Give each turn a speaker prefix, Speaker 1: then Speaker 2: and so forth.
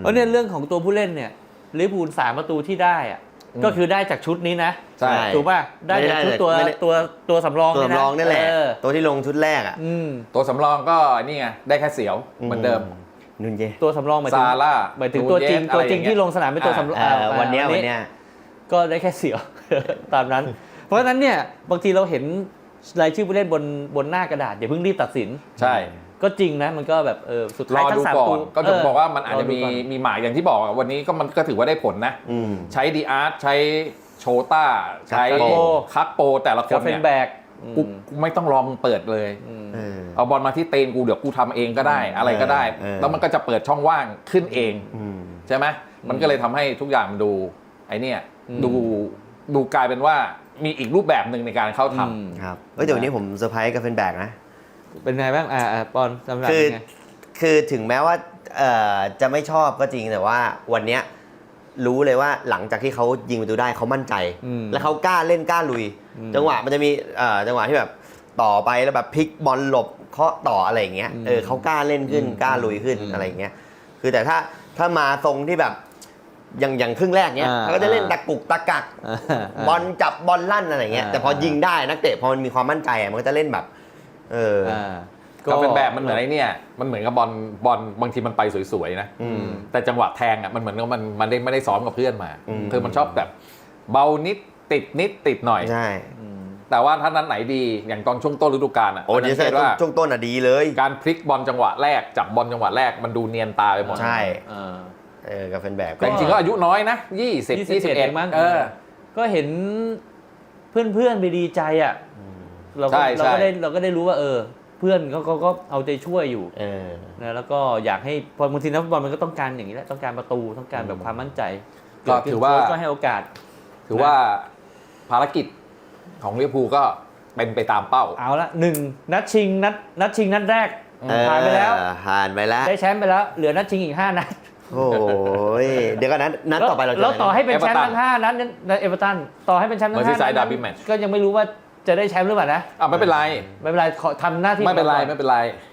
Speaker 1: เพราะเนี่ยเรื่องของตัวผู้เล่นเนี่ยลิเวอร์พูล3 ประตูที่ได้อะก็คือได้จากชุดนี้นะ
Speaker 2: ใช่
Speaker 1: ถูกป่ะได้จากชุดตัวสำรอง
Speaker 2: ตัวสำรองนี่แหละตัวที่ลงชุดแรกอ่ะ
Speaker 3: ตัวสำรองก็นี่ไงได้แค่เสียวเหมือนเดิม
Speaker 2: นุนเย
Speaker 1: ตัวสำรองหมายถึงตัวจริงที่ลงสนามเป็นตัวสำรอง
Speaker 2: วันนี้
Speaker 1: ก็ได้แค่เสียวตามนั้น เพราะฉะนั้นเนี่ยบางทีเราเห็นรายชื่อผู้เล่นบนหน้ากระดาษอย่าเพิ่งรีบตัดสิน
Speaker 3: ใช่
Speaker 1: ก็จริงนะมันก็แบบสุดท้ายทั้ง3 ตัว
Speaker 3: ก็จะบอกว่ามันอาจจะมีหมายอย่างที่บอกวันนี้ก็มันก็ถือว่าได้ผลนะใช้ดีอาร์ตใช้โชต้าใช้คักโปแต่ละคนเนี่ยกูไม่ต้องลองเปิดเลยเอาบอลมาที่เตนกูเดี๋ยวกูทำเองก็ได้อะไรก็ได้แล้วมันก็จะเปิดช่องว่างขึ้นเองใช่ไหมมันก็เลยทำให้ทุกอย่างมันดูไอ้นี่ดูกลายเป็นว่ามีอีกรูปแบบหนึ่งในการเข้าทำ
Speaker 2: ครับเดี๋ยววันนี้ผมเซอร์ไพรส์กับเฟนแบกนะ
Speaker 1: เป็นไงบ้างปอนสำหรับ
Speaker 2: คือถึงแม้ว่าจะไม่ชอบก็จริงแต่ว่าวันเนี้ยรู้เลยว่าหลังจากที่เขายิงประตูได้เขามั่นใจและเขากล้าเล่นกล้าลุยจังหวะมันจะมีจังหวะที่แบบต่อไปแล้วแบบพลิกบอลหลบเคาะต่ออะไรอย่างเงี้ยเขากล้าเล่นขึ้นกล้าลุยขึ้นอะไรอย่างเงี้ยคือแต่ถ้ามาทรงที่แบบอย่างครึ่งแรกเนี้ยเขาก็จะเล่นตะกุกตะกักบอลจับบอลลั่นอะไรเงี้ยแต่พอยิงได้นักเตะพอมันมีความมั่นใจมันก็จะเล่นแบบ
Speaker 3: ก็เป็นแบบมันเหมือนไอ้นี่มันเหมือนกับบอลบางทีมันไปสวยๆนะแต่จังหวะแทงอ่ะมันเหมือนกับมันไม่ได้ซ้อมกับเพื่อนมามันชอบแบบเบานิดติดหน่อย
Speaker 2: ใช่
Speaker 3: แต่ว่าถ้านั้นไหนดีอย่างตอนช่วงต้นฤดูกาลอ่ะ
Speaker 2: โอ้ดีว่าช่วงต้นอ่ะดีเลย
Speaker 3: การพลิกบอลจังหวะแรกจับบอลจังหวะแรกมันดูเนียนตาไปหมด
Speaker 2: ใช่กับแฟนแบบ
Speaker 3: จริงๆก็อายุน้อยนะ20-21
Speaker 1: มั้งก็เห็นเพื่อนๆไปดีใจอ่ะเราก็ได้รู้ว่าเพื่อนก็เอาใจช่วยอยู่นะแล้วก็อยากให้พอบางทีนักฟุตบอลมันก็ต้องการอย่างนี้แหละต้องการประตูต้องการแบบความมั่นใจ
Speaker 3: ก็ถือว่า
Speaker 1: ก็ให้โอกาส
Speaker 3: ถือว่าภารกิจของลิเวอร์พูลก็เป็นไปตามเป้า
Speaker 1: เอาละ1นัดชิงนัดแรกผ่านไปแล้วได้แชมป์ไปแล้วเหลือนัดชิงอีก5 นัด
Speaker 2: โอ้ยเดี๋ยวก็นัดต่อไปเรา
Speaker 1: จะต่อให้เป็นแชมป์ทั้ง5 นัดเอเวอร์ตันต่อให้เป็นแชมป์ทั้ง5 นัดก็ยังไม่รู้ว่าจะได้แชมป์หรือเปล่านะ
Speaker 3: ไม่เป็นไร
Speaker 1: ขอทำหน้าที่
Speaker 3: ไม่เป็นไร